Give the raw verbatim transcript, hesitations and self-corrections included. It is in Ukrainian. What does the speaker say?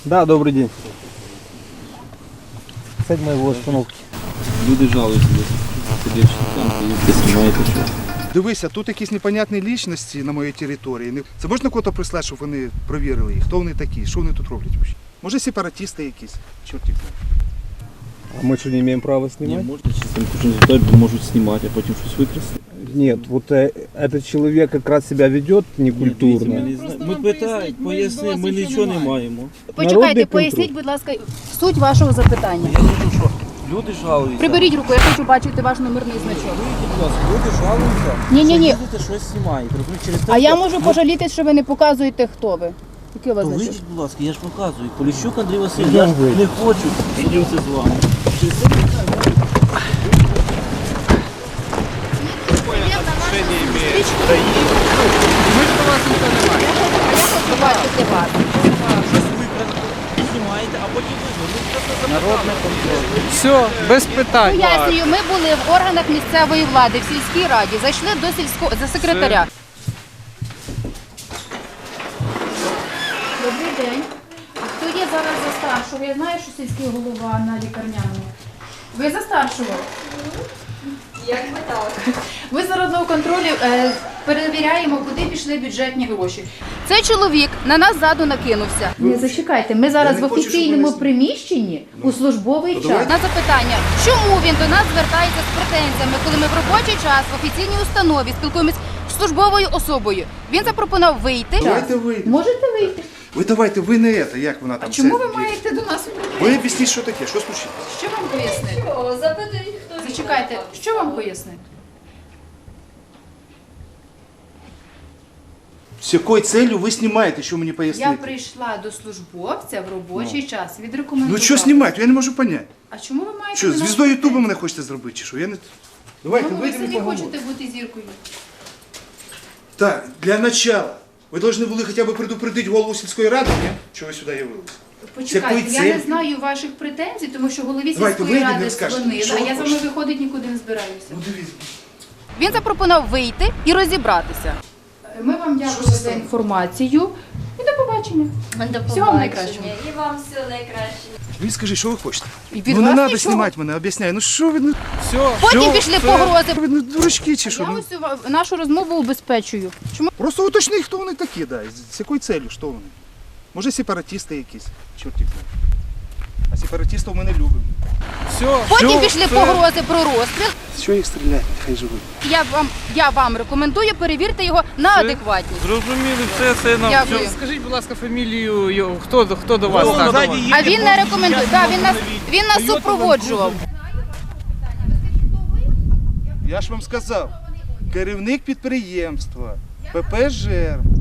Да, добрый день. Цель моего остановки. Люди жалуються, сидять там, і знімаєте що. Дивися, тут якісь непонятні лічності на моїй території. Це можна кого-то прислати, щоб вони провірили їх? Хто вони такі? Що вони тут роблять? Може сепаратисти якісь? Чорт їх знає. А мы что, не имеем права Ні, снимать? можна чи там кожен деталь можуть знімати, а потім щось викрасти. Нет, вот э, этот человек как раз себя ведет некультурно. Ми, не зна- ми питаємо, пояснимо, ми нічого не маємо. Народний Почекайте, контроль. поясніть, будь ласка, суть вашого запитання. Я кажу, що люди жалуються. Приберіть руку, я хочу бачити ваш номерний значок. Вийдіть, будь ласка, люди жалуються. Ні-ні-ні. Що їдете, щось знімаєте. Розумієте, через те, А я що- можу пожалітись, що ви не показуєте, хто ви. Який у вас То значок? вийдіть, будь ласка, я ж показую. Поліщук Андрій Васильович, я Йдемо ж вийти. не хочу судитися з вами. Через те, Я хочу бачити вас. щось викрасти, знімаєте, а потім ви народне контроль. Все, без питань. Пояснюю, ми були в органах місцевої влади, в сільській раді, зайшли до сільського за секретаря. Добрий день. А хто є зараз за старшого? Я знаю, що сільський голова на лікарняному. Ви за старшого? Як би так? Ми з народного контролю е, перевіряємо, куди пішли бюджетні гроші. Цей чоловік на нас ззаду накинувся. Не зачекайте, ми зараз Я не в хочу, щоб офіційному мене- приміщенні у службовий То час. давайте. На запитання, чому він до нас звертається з претензіями, коли ми в робочий час в офіційній установі спілкуємося з службовою особою. Він запропонував вийти. Давайте вийдемо. Можете вийти. Ви давайте, ви не це, як вона там. А чому це- ви маєте до нас вийти? Ви об'ясніть, що таке, що случилось? Що вам пояснити? О, запитують, хто він. Зачекайте, що вам пояснити? З якою целью ви знімаєте, що мені Я пояснити? прийшла до службовця в робочий час, відрекомендувала. Ну що знімати, я не можу поняти. А чому ви маєте Що, до нас звіздою Ютуба претензії? мене хочете зробити, чи що? Я не... Давайте, Ну, ви вийдемо і самі поговоримо. хочете бути зіркою. Так, для начала. Ви повинні були хоча б предупредити голову сільської ради, ні? Що ви сюди явилися? Почекайте, я целью? не знаю ваших претензій, тому що голові Давайте сільської вийдемо і ради скажете, дзвонили, що а ви я з вами хочете? виходить нікуди не збираюся. Ну дивіться. Він запропонував вийти і розібратися. Ми вам дякуємо за інформацію і до побачення. До Всього вам найкращого. І вам всього найкращого. Ви скажіть, що ви хочете? І від Ну не вас треба нічого. знімати мене, об'ясняю. Ну що ви, ну, Все. Потім Що? пішли Це- погрози. ви ну, дурачки чи що? Я Ну, ось ва- нашу розмову убезпечую. Чому? просто уточни, хто вони такі, да. з- З якою целью, що вони? Може сепаратисти якісь, чорт їх знає. А сепаратистів ми не любимо. Все. Потім пішли погрози про розстріл. Що їх стріляти, хай живуть. Я вам, я вам рекомендую перевірте його на адекватність. Зрозуміли, все, це нам. Дякую. все. Скажіть, будь ласка, фамілію, його, хто, до- хто до вас так? А він не рекомендує. Так, він нас, він нас супроводжував. Я ж вам сказав, керівник підприємства, ПП «Жерм»,